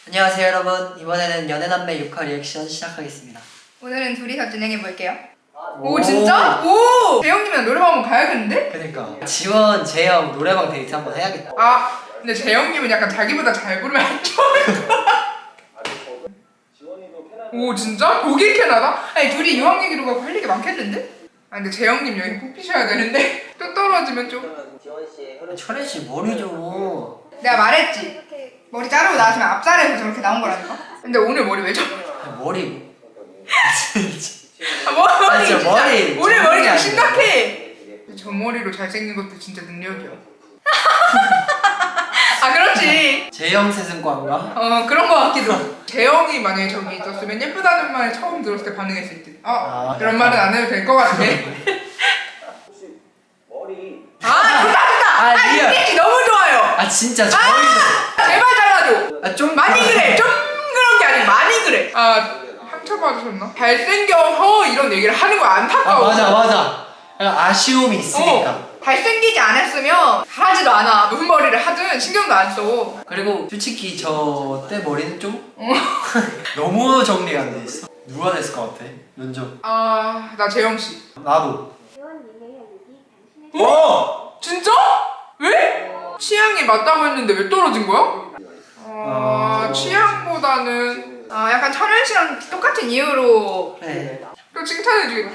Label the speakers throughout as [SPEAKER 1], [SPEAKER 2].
[SPEAKER 1] 안녕하세요 여러분. 이번에는 연애남매 6화 리액션 시작하겠습니다.
[SPEAKER 2] 오늘은 둘이서 진행해볼게요. 오 진짜? 오! 재영님이랑 노래방 한번 가야겠는데?
[SPEAKER 1] 그니까 지원, 재영 노래방 데이트 한번 해야겠다.
[SPEAKER 2] 아 근데 재영님은 약간 자기보다 잘 부르면 안 좋을 것 같아. 오 진짜? 독일 캐나다? 아니 둘이 유학 얘기로 가고 할 얘기 많겠는데? 아 근데 재영님 여기 뽑히셔야 되는데 또 떨어지면 좀.
[SPEAKER 1] 철현 씨 머리 좀.
[SPEAKER 2] 내가 말했지? 머리 자르고 나왔으면 앞살에서 저렇게 나온 거라니까? 근데 오늘 머리 왜 저래?
[SPEAKER 1] 머리.
[SPEAKER 2] 아, 머리
[SPEAKER 1] 진짜 머리.
[SPEAKER 2] 오늘 머리 좀
[SPEAKER 1] 아니야.
[SPEAKER 2] 심각해. 저 머리로 잘생긴 것도 진짜 능력이야. 아 그렇지.
[SPEAKER 1] 재영 세승과인가?
[SPEAKER 2] 그런 거 같기도. 재영이 만약에 저기 있었으면 예쁘다는 말 처음 들었을 때 반응했을 듯. 그런 말은 안 해도 될 것 같아. 좋다.
[SPEAKER 1] 리얼.
[SPEAKER 2] 이 너무 좋아요.
[SPEAKER 1] 아 진짜 저희도.
[SPEAKER 2] 제발 잘라줘.
[SPEAKER 1] 좀
[SPEAKER 2] 많이 그래. 좀 그런 게 아니고 많이 그래. 상처 받으셨나? 잘생겨서 이런 얘기를 하는 거 안타까워.
[SPEAKER 1] 맞아. 약간 아쉬움이 있으니까.
[SPEAKER 2] 잘생기지 않았으면 하지도 않아. 무슨 머리를 하든 신경도 안 써.
[SPEAKER 1] 그리고 솔직히 저 때 머리는 좀 너무 정리가 안 돼 있어. 누가 됐을 것 같아? 면접.
[SPEAKER 2] 나 재영 씨.
[SPEAKER 1] 나도.
[SPEAKER 2] 진짜? 왜? 취향이 맞다고 했는데 왜 떨어진 거야? 취향보다는 약간 철현 씨랑 똑같은 이유로
[SPEAKER 1] 네.
[SPEAKER 2] 또 칭찬해주겠지?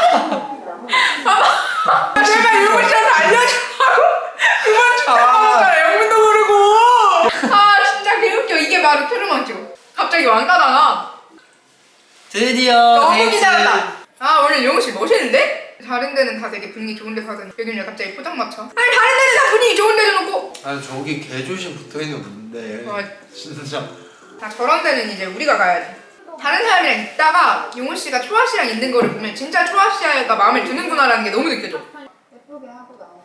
[SPEAKER 2] 제발 유문 씨한테 알려주라고! 유문 칭찬하잖아 영문도 모르고! 진짜 개웃겨. 이게 바로 트루먼쇼. 갑자기 왕따당하.
[SPEAKER 1] 드디어
[SPEAKER 2] 너무
[SPEAKER 1] 데이트.
[SPEAKER 2] 기다렸다. 오늘 용우 씨 멋있는데? 다른 데는 다 되게 분위기 좋은 데 가더니 여기는 왜 갑자기 포장마차? 아니 다른 데는 다 분위기 좋은 데 줘놓고
[SPEAKER 3] 저기 개조심 붙어있는 건데 진짜
[SPEAKER 2] 저런 데는 이제 우리가 가야지. 다른 사람이랑 있다가 용우 씨가 초아 씨랑 있는 거를 보면 진짜 초아 씨가 마음에 드는구나라는 게 너무 느껴져.
[SPEAKER 4] 예쁘게 하고 나온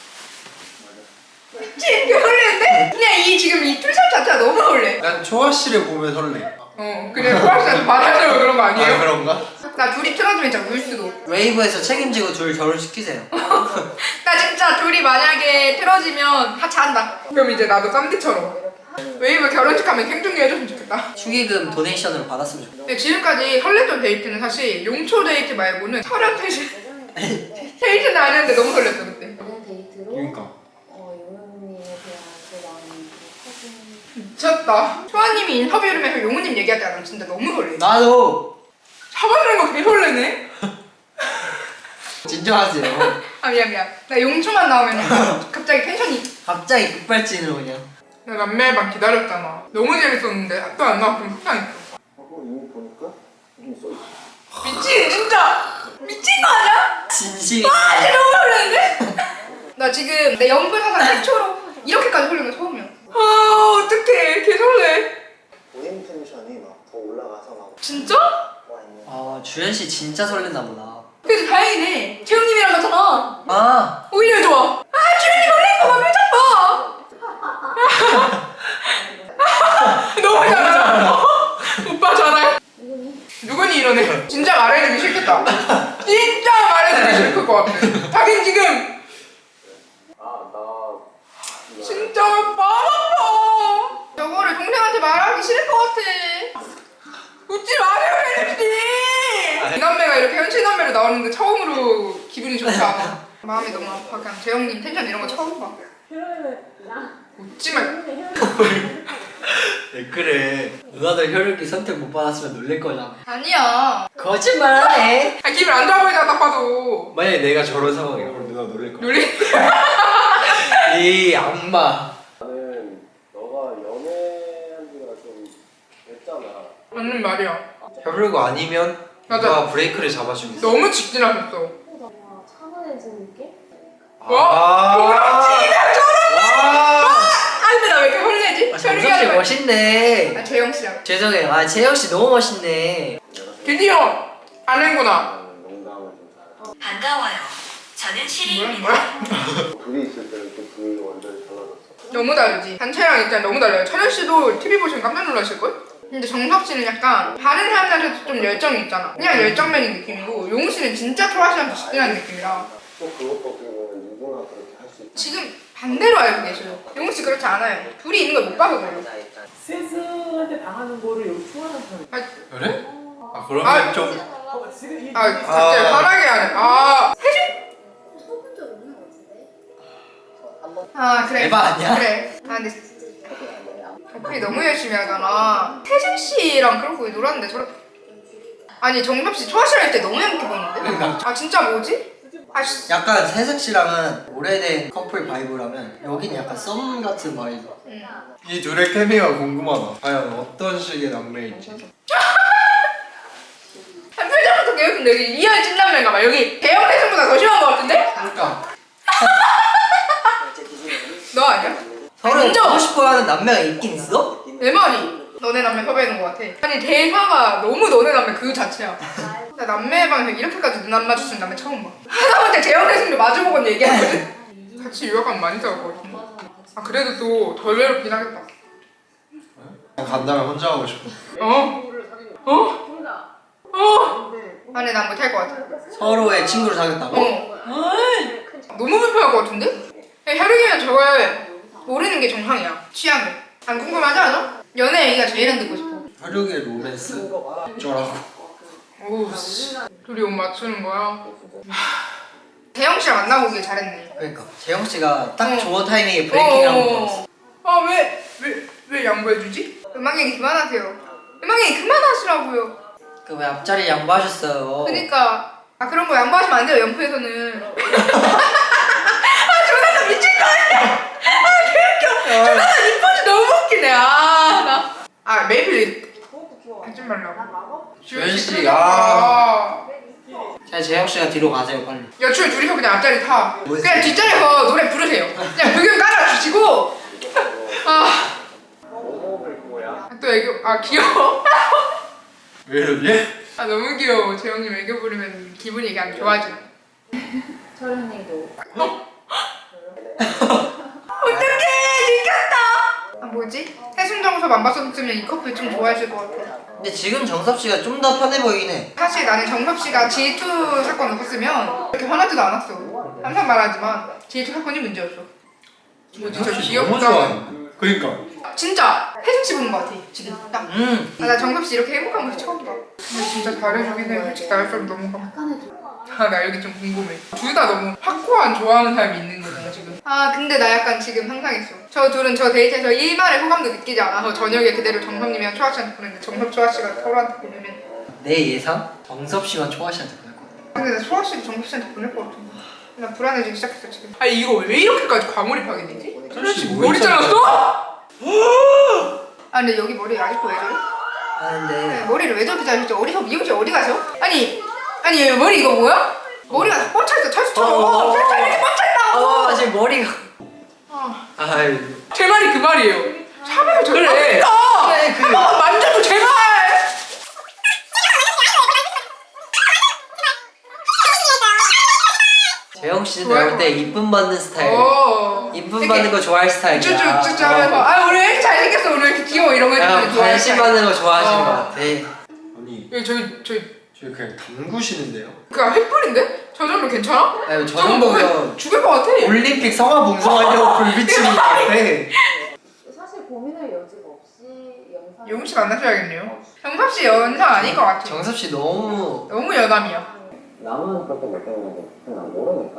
[SPEAKER 4] 거죠.
[SPEAKER 2] 그치? 되게 설레는데? 그냥 지금 이 툴샷 자체가 너무 설레.
[SPEAKER 3] 난 초아 씨를 보면 설레.
[SPEAKER 2] 그래 초아 씨한테 받아줘요 그런 거 아니에요?
[SPEAKER 3] 그런가?
[SPEAKER 2] 나 둘이 틀어주면 진짜 울 수도.
[SPEAKER 1] 웨이브에서 책임지고 둘 결혼시키세요.
[SPEAKER 2] 나 진짜 둘이 만약에 틀어지면 하차한다. 그럼 이제 나도 쌈디처럼 웨이브 결혼식 하면 생중계 해줬으면 좋겠다.
[SPEAKER 1] 축의금 도네이션으로 받았으면 좋겠다.
[SPEAKER 2] 근데 지금까지 설렜던 데이트는 사실 용초 데이트 말고는 철현 데이트는 아니었는데 너무 설렜어 그때.
[SPEAKER 4] 연애 데이트로
[SPEAKER 1] 그러니까.
[SPEAKER 4] 용우님에 대한 그 마음이 커진.
[SPEAKER 2] 미쳤다. 초아님이 인터뷰를 하면서 용우님 얘기할 때 나는 진짜 너무 설레.
[SPEAKER 1] 나도.
[SPEAKER 2] 잡아주는 거 개 설레네.
[SPEAKER 1] 진정하세요.
[SPEAKER 2] 미안. 나 용초만 나오면 갑자기 텐션이.
[SPEAKER 1] 갑자기 급발진으로 그냥.
[SPEAKER 2] 나 남매반 기다렸잖아. 너무 재밌었는데 또 안 나왔으면 속상했어.
[SPEAKER 5] 이거 보니까 이게 써있어.
[SPEAKER 2] 미친 진짜 미친 거 아니야?
[SPEAKER 1] 진심.
[SPEAKER 2] 진짜 너무 설레는데? 나 지금 내 연극 사상 최초로 이렇게까지 설레는 거 처음이야. 어떡해 개 설레.
[SPEAKER 5] 본인 텐션이 막 더 올라가서 막
[SPEAKER 2] 진짜?
[SPEAKER 5] 와 있는.
[SPEAKER 1] 주현 씨 진짜 설렜나 보다.
[SPEAKER 2] 그래도 다행이네. 재영님이랑 갔잖아. 오히려 좋아. 주현이 설렌 거봐 표정 봐. 너무 잘한다. 오빠 잘해. 누구니 이러네. 진짜 말해주기 싫겠다. 진짜 말해주기 싫을 것 같아. 자긴 지금 진짜 마음 아파. 저거를 동생한테 말하기 싫을 것 같아. 웃지 마세요 혜림씨. 이 남매가 이렇게 현실 남매로 나오는데 처음으로 기분이 좋지 않아. 마음이 너무 아파. 그냥 재영님 텐션 이런 거 처음 봐. 웃지 말고.
[SPEAKER 1] 왜 그래? 누나들 혈육이 선택 못 받았으면 놀랄 거잖아.
[SPEAKER 2] 아니야.
[SPEAKER 1] 거짓말하네.
[SPEAKER 2] 기분 안 좋아 보이잖아 딱 봐도.
[SPEAKER 3] 만약에 내가 저런 상황이야 그럼 누나 놀랄 거야.
[SPEAKER 2] 놀리?
[SPEAKER 1] 이 악마.
[SPEAKER 5] 나는 너가 연애한 지가 좀 됐잖아.
[SPEAKER 2] 맞는 말이야.
[SPEAKER 3] 혈육 아니면
[SPEAKER 2] 맞아.
[SPEAKER 3] 누가 브레이크를 잡아주겠어.
[SPEAKER 2] 너무 직진하셨어.
[SPEAKER 4] 뭔가 차분해진 느낌?
[SPEAKER 2] 근데 나 왜 이렇게 설레지?
[SPEAKER 1] 정석 씨 멋있네.
[SPEAKER 2] 재영씨야.
[SPEAKER 1] 죄송해요. 재영 씨 너무 멋있네.
[SPEAKER 2] 드디어 아는구나.
[SPEAKER 5] 나는 농담을 좀 잘해.
[SPEAKER 6] 반가워요. 저는 시리입니다.
[SPEAKER 2] 뭐야?
[SPEAKER 5] 둘이 있을 때는 또 둘이 완전히 달라졌어.
[SPEAKER 2] 너무 다르지. 단체랑 일단 너무 달라요. 철현 씨도 TV 보시면 깜짝 놀라실걸? 근데 정석 씨는 약간 다른 사람들한테도 좀 열정이 있잖아. 그냥 열정맨인 느낌이고 용우 씨는 진짜 초아 씨한테 직진하는 느낌이라.
[SPEAKER 5] 또 그것도 어떻게 보면 누구나 그렇게 할 수 있다.
[SPEAKER 2] 지금 반대로 알고 계셔요. 영웅 씨 그렇지 않아요. 둘이 있는 걸 못 봐서 그래요.
[SPEAKER 7] 세스한테 당하는 거를 여기 초안한 사람.
[SPEAKER 3] 그래? 아 그러면
[SPEAKER 2] 아,
[SPEAKER 3] 좀
[SPEAKER 2] 갑자기 화나게 하네.
[SPEAKER 4] 쳐본 적 없는 것 같은데?
[SPEAKER 2] 그래.
[SPEAKER 1] 에바 아니야?
[SPEAKER 2] 그래. 근데 어플이 너무 열심히 하잖아. 태진 씨랑 그런 거 놀았는데 아니 정섭 씨 초아 씨할 때 너무 행복해 보이는데?
[SPEAKER 1] 그러니까.
[SPEAKER 2] 진짜 뭐지?
[SPEAKER 1] 약간 세승 씨랑은 오래된 커플 바이브라면 여기는 약간 썸 같은 바이브.
[SPEAKER 3] 이 둘의 케미가 궁금하다. 과연 어떤 식의 남매일지.
[SPEAKER 2] 한 표정부터 계속 여기 리얼 찐남매인가 봐. 여기 대형 태승보다 더 심한 거 같은데?
[SPEAKER 1] 그러니까
[SPEAKER 2] 너 아니야?
[SPEAKER 1] 서로
[SPEAKER 2] 인정!
[SPEAKER 1] 보고 싶어하는 남매가 있긴 있어?
[SPEAKER 2] 내 말이 너네 남매 섭외하는 거 같아. 아니 대사가 너무 너네 남매 그 자체야. 나 남매 방에서 이렇게까지 눈 안 마주치는 남매 처음 봐. 하다못해 대형 태승도 마주보고 얘기하거든? 같이 유학하면 많이 싸울 것 같은데. 그래도 또 덜 외롭긴 하겠다.
[SPEAKER 3] 간다면 혼자 하고 싶어.
[SPEAKER 2] 아니 난 못할 것 같아.
[SPEAKER 1] 서로의 친구를 사귀었다고?
[SPEAKER 2] 너무 불편할 것 같은데? 혈육이면 저걸 모르는 게 정상이야. 취향을. 안 궁금하지 않아? 연애 얘기가 제일 듣고 싶어.
[SPEAKER 1] 혈육의 로맨스? 어쩌라고.
[SPEAKER 2] 오우 씨. 둘이 옷 맞추는 거야. 대영 씨랑 만나고 오길 잘했네.
[SPEAKER 1] 그러니까 재영 씨가 딱
[SPEAKER 2] 어.
[SPEAKER 1] 좋은 타이밍에 브레이킹을 한번 걸었어.
[SPEAKER 2] 왜 양보해주지? 음악 얘기 그만하세요. 음악 얘기 그만하시라고요.
[SPEAKER 1] 그 왜 앞자리 양보하셨어요?
[SPEAKER 2] 그러니까 그런 거 양보하시면 안 돼요. 연프에서는. 조나단 미칠 거 아니야. 개웃겨. 조나단 이뻐지 너무 웃기네. 메이플 하지 말라고.
[SPEAKER 1] 주현 씨,
[SPEAKER 2] 아.
[SPEAKER 1] 자 재영 씨가 뒤로 가세요 빨리.
[SPEAKER 2] 여추 둘이서 그냥 앞자리 타.
[SPEAKER 1] 뭐지?
[SPEAKER 2] 그냥 뒷자리에서 노래 부르세요. 그냥 불금 깔아주시고.
[SPEAKER 5] 뭐 먹을 거야?
[SPEAKER 2] 또 애교 귀여워.
[SPEAKER 3] 왜 이러지?
[SPEAKER 2] 너무 귀여워. 재영님 애교 부르면 기분이 이게 안 좋아져.
[SPEAKER 4] 철현이도
[SPEAKER 2] 어떡해 지켰다. 뭐지? 해순정섭 안 봤었으면 이 커플 좀 좋아했을 것 같아.
[SPEAKER 1] 근데 지금 정섭 씨가 좀 더 편해 보이긴 해.
[SPEAKER 2] 사실 나는 정섭 씨가 G2 사건 없었으면 이렇게 화나지도 않았어. 항상 말하지만 G2 사건이 문제였어. 뭐지 저
[SPEAKER 3] 너무
[SPEAKER 2] 귀엽다.
[SPEAKER 3] 좋아하는데. 그러니까.
[SPEAKER 2] 진짜 혜준 씨 보는 것 같아 지금 딱. 나 정섭 씨 이렇게 행복한 모습 처음 봐. 근데 진짜 잘해주긴 해. 솔직히 나를 좀 너무 감.
[SPEAKER 4] 약간의 좀
[SPEAKER 2] 나 여기 좀 궁금해. 둘 다 너무 확고한 좋아하는 사람이 있는 거잖아 지금. 근데 나 약간 지금 상상했어. 저 둘은 저 데이트에서 일말의 호감도 느끼지 않아서 저녁에 그대로 정섭님이랑 초아 씨한테 보냈는데 정섭 초아 씨가 서로한테 보내면.
[SPEAKER 1] 내 예상? 정섭 씨만 초아 씨한테 보낼 거야.
[SPEAKER 2] 근데 나 초아 씨도 정섭 씨한테 보낼 것 같아. 나 불안해지기 시작했어 지금. 이거 왜 이렇게까지 과몰입하게 되지? 초아 씨 머리 잘랐어? 근데 여기 머리 아직도 왜 저래?
[SPEAKER 1] 근데
[SPEAKER 2] 머리를 왜 저렇게 자르셨죠? 어디서 미용실 어디 가세요? 아니 머리 이거 뭐야? 머리가 다 뻗쳐있어 찰수처럼. 찰수 이렇게 뻗쳐있다고.
[SPEAKER 1] 지금 머리가
[SPEAKER 3] 아이.
[SPEAKER 2] 제 말이 그 말이에요. 샵에서 저래.
[SPEAKER 1] 그래, 그
[SPEAKER 2] 만져도 제발.
[SPEAKER 1] 재영 씨는 내가 볼 때 이쁨 받는 스타일. 이쁨
[SPEAKER 2] 이렇게
[SPEAKER 1] 받는 거 좋아할 스타일이야.
[SPEAKER 2] 쭉쭉쭉 하면서 우리 왜 이렇게 잘생겼어 오늘 이렇게 귀여워 이런 거 해주면
[SPEAKER 1] 약간 관심 받는 거 좋아하시는 것 같아.
[SPEAKER 3] 아니 저희 그냥 담그시는데요?
[SPEAKER 2] 그거 횃불인데? 저 정도 괜찮아?
[SPEAKER 1] 아니 저 정도면
[SPEAKER 2] 죽을 것 같아.
[SPEAKER 1] 올림픽 성화 봉송하려고 불비치는 것 같아.
[SPEAKER 4] 사실 고민할 여지가 없이 영상
[SPEAKER 2] 영웅 씨 만나셔야겠네요. 정섭 씨 연상 아닐 것 같아.
[SPEAKER 1] 정섭 씨 너무
[SPEAKER 2] 여남이야.
[SPEAKER 5] 나만 그렇게 느끼는 게 난 모르니까.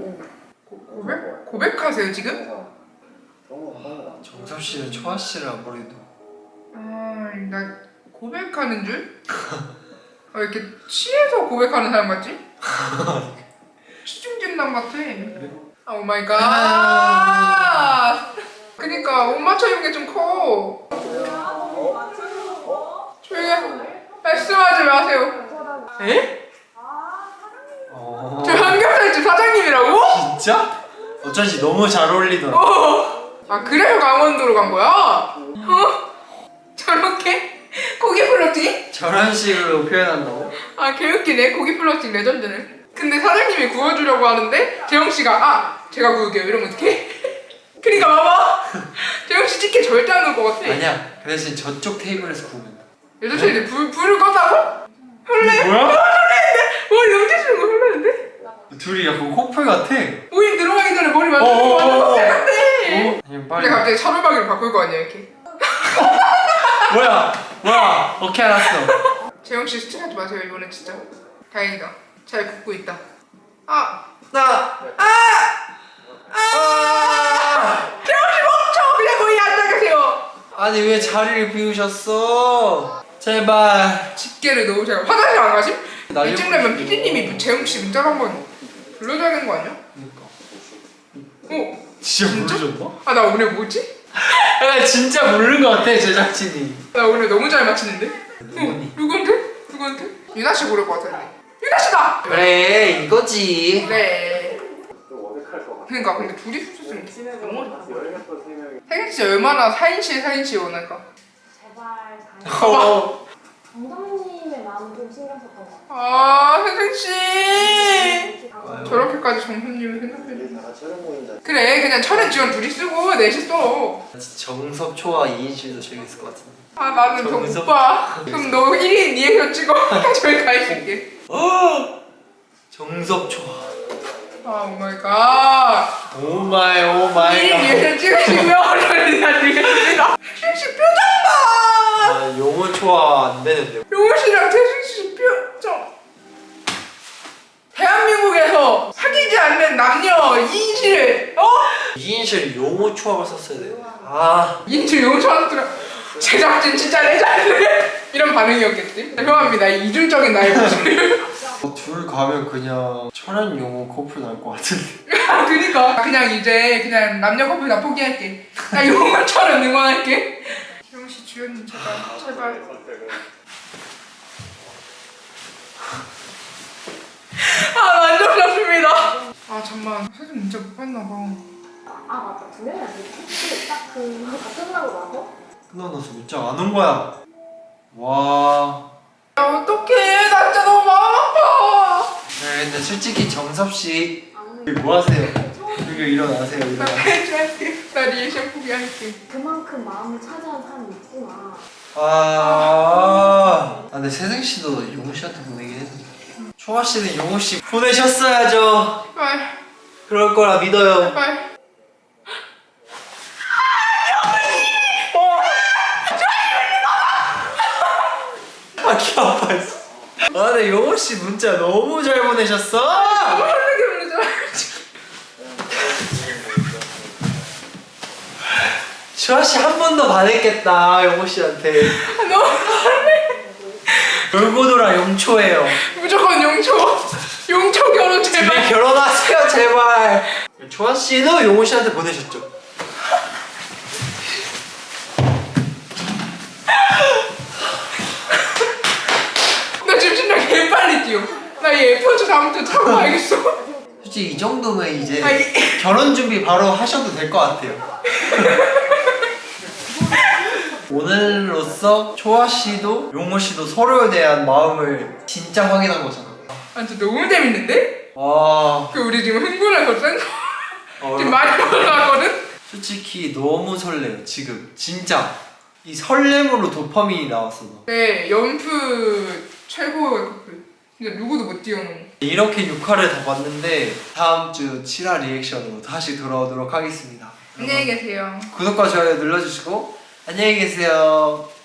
[SPEAKER 2] 고백하세요 지금?
[SPEAKER 5] 그런 거 하는 거
[SPEAKER 3] 정섭 씨는 초아 씨를 아무래도.
[SPEAKER 2] 나 고백하는 줄? 이렇게 취해서 고백하는 사람 같지? 취중진담 같아. 오 마이 갓. 그니까 옷 맞춰 입은 게 좀 커. 조용히 말씀하지 마세요. 에? 저 삼겹살집 사장님이라고?
[SPEAKER 3] 진짜? 어쩐지 너무 잘 어울리더라.
[SPEAKER 2] 그래서 강원도로 간 거야? 저렇게? 고기 플러팅?
[SPEAKER 1] 저런 식으로 표현한다고?
[SPEAKER 2] 개웃기네. 고기 플러팅 레전드네. 근데 사장님이 구워주려고 하는데 재영씨가 제가 구울게요 이러면 어떡해? 그니까 봐봐. 재영씨 치킨 절대 안 넣을 것 같아.
[SPEAKER 3] 아니야. 그 대신 저쪽 테이블에서 구우면 돼.
[SPEAKER 2] 여자친구들 불을 껐다고?
[SPEAKER 3] 뭐야?
[SPEAKER 2] 머리 넘기시는 거 설레는데?
[SPEAKER 3] 둘이 약간 커플 같아.
[SPEAKER 2] 모임 들어가기 전에 머리 만지는 거 완전 세는데?
[SPEAKER 1] 그냥
[SPEAKER 2] 근데
[SPEAKER 1] 빨리.
[SPEAKER 2] 갑자기 차돌박이로 바꿀 거 아니야 이렇게.
[SPEAKER 1] 뭐야? 오케이 알았어.
[SPEAKER 2] 재영씨 스트레스 마세요 이번엔 진짜. 다행이다. 잘 굽고 있다. 재영씨 멈춰! 그냥 거기 앉아 계세요.
[SPEAKER 1] 아니 왜 자리를 비우셨어? 제발.
[SPEAKER 2] 집게를 너무 잘. 화장실 안 가심?
[SPEAKER 1] 날려
[SPEAKER 2] 이쯤되면
[SPEAKER 1] 버리시고.
[SPEAKER 2] PD님이 재영씨 문자를 한번 불러줘야 되는 거 아니야?
[SPEAKER 1] 그러니까.
[SPEAKER 2] 어?
[SPEAKER 1] 진짜
[SPEAKER 2] 진짜?
[SPEAKER 1] 모르셨나?
[SPEAKER 2] 아 나 오늘 뭐지?
[SPEAKER 1] 야 진짜 모르는 것 같아 제작진이.
[SPEAKER 2] 나 오늘 너무 잘 맞히는데?
[SPEAKER 1] 누구니?
[SPEAKER 2] 누구한테? 유나 씨 고를 것 같은데. 유나 씨다!
[SPEAKER 1] 그래 이거지.
[SPEAKER 2] 네.
[SPEAKER 5] 좀 어색할 것 같아.
[SPEAKER 2] 그러니까 근데 둘이 있었으면 너무
[SPEAKER 5] 열렸던 3명이
[SPEAKER 2] 태균 씨 얼마나 사인씨 원할까?
[SPEAKER 4] 제발
[SPEAKER 1] 어.
[SPEAKER 4] 정정님의 마음 좀 신경 썼던 것 같아요.
[SPEAKER 2] 아 혜생 씨
[SPEAKER 4] 아,
[SPEAKER 2] 저렇게까지 정선님을 생각해.
[SPEAKER 5] 다 같이 촬영 모임자.
[SPEAKER 2] 그래 그냥 철은 지원 둘이 쓰고 넷이 써.
[SPEAKER 1] 정섭초와 이인실도 재밌을 것 같은데.
[SPEAKER 2] 아 나는 저
[SPEAKER 1] 정석.
[SPEAKER 2] 오빠. 그럼 너 1인 2에서 찍어. 저기 가 있을게.
[SPEAKER 1] 정섭초.
[SPEAKER 2] 아 오마이갓.
[SPEAKER 1] 오마이
[SPEAKER 2] 1인
[SPEAKER 1] 갓.
[SPEAKER 2] 2에서 찍으시면 저리가 되겠습니다. 태균 씨 표정 봐.
[SPEAKER 1] 아 용어 초화 안 되는데.
[SPEAKER 2] 용호 씨랑 태균 씨 표정. 대한민국에서 사귀지 않는 남녀 2인실
[SPEAKER 1] 이인실 용어 초화를 썼어야 돼. 아.
[SPEAKER 2] 2인실 용호 사람들은 제작진 진짜 레전드 이런 반응이었겠지? 죄송합니다 이 이중적인 나의 모습을.
[SPEAKER 1] 둘 가면 그냥 천연 용어 커플 날 것 같은데.
[SPEAKER 2] 그니까 그냥 이제 그냥 남녀 커플 다 포기할게. 나 용호처럼 응원할게. 재영씨 주연님 제발 아 만족스럽습니다. 아 잠만 사진 문자 못 봤나봐.
[SPEAKER 4] 맞다. 두 명이 아니지. 혹시 딱 그거 다 끝나고 나서?
[SPEAKER 1] 끝나서 문자 안 온 거야. 와.
[SPEAKER 2] 야 어떡해 나 진짜 너무 마음 아파.
[SPEAKER 1] 네, 근데 솔직히 정섭 씨
[SPEAKER 4] 아무리
[SPEAKER 1] 뭐 하세요? 이거 일어나세요.
[SPEAKER 2] 나
[SPEAKER 1] 일어나.
[SPEAKER 2] 펜트할게. 나 리액션 포기할게.
[SPEAKER 4] 그만큼 마음을 차지한 사람이 있구나.
[SPEAKER 1] 근데 세승 씨도 용호 씨한테 보내긴 했는데. 초아 씨는 용호 씨 보내셨어야죠.
[SPEAKER 2] 제발
[SPEAKER 1] 그럴 거라 믿어요.
[SPEAKER 2] 제발.
[SPEAKER 1] 귀 아파. 근데 용호 씨 문자 너무 잘 보내셨어.
[SPEAKER 2] 너무 설레게 부르잖아.
[SPEAKER 1] 초아 씨 한 번 더 반했겠다 용호 씨한테.
[SPEAKER 2] 너무 설레.
[SPEAKER 1] 돌고 돌아 용초예요.
[SPEAKER 2] 무조건 용초 결혼
[SPEAKER 1] 집에
[SPEAKER 2] 제발.
[SPEAKER 1] 결혼하세요 제발. 초아 씨도 용호 씨한테 보내셨죠?
[SPEAKER 2] 나 지금 심장 개 빨리 뛰어. 나 이 에어포즈 다음부터 타고 가야겠어.
[SPEAKER 1] 솔직히 이 정도면 이제
[SPEAKER 2] 아니.
[SPEAKER 1] 결혼 준비 바로 하셔도 될 것 같아요. 오늘로써 초아 씨도 용호 씨도 서로에 대한 마음을 진짜 확인한 거잖아.
[SPEAKER 2] 아 진짜 너무 재밌는데?
[SPEAKER 1] 와.
[SPEAKER 2] 그 우리 지금 흥분해서 센 거.
[SPEAKER 1] 어,
[SPEAKER 2] 지금 많이 올라가거든?
[SPEAKER 1] 솔직히 너무 설레요 지금 진짜. 이 설렘으로 도파민이 나왔어. 너.
[SPEAKER 2] 네 연프 최고의 커플. 진짜 누구도 못 뛰어넘어.
[SPEAKER 1] 이렇게 6화를 다 봤는데 다음 주 7화 리액션으로 다시 돌아오도록 하겠습니다.
[SPEAKER 2] 안녕히 계세요.
[SPEAKER 1] 구독과 좋아요 눌러주시고 안녕히 계세요.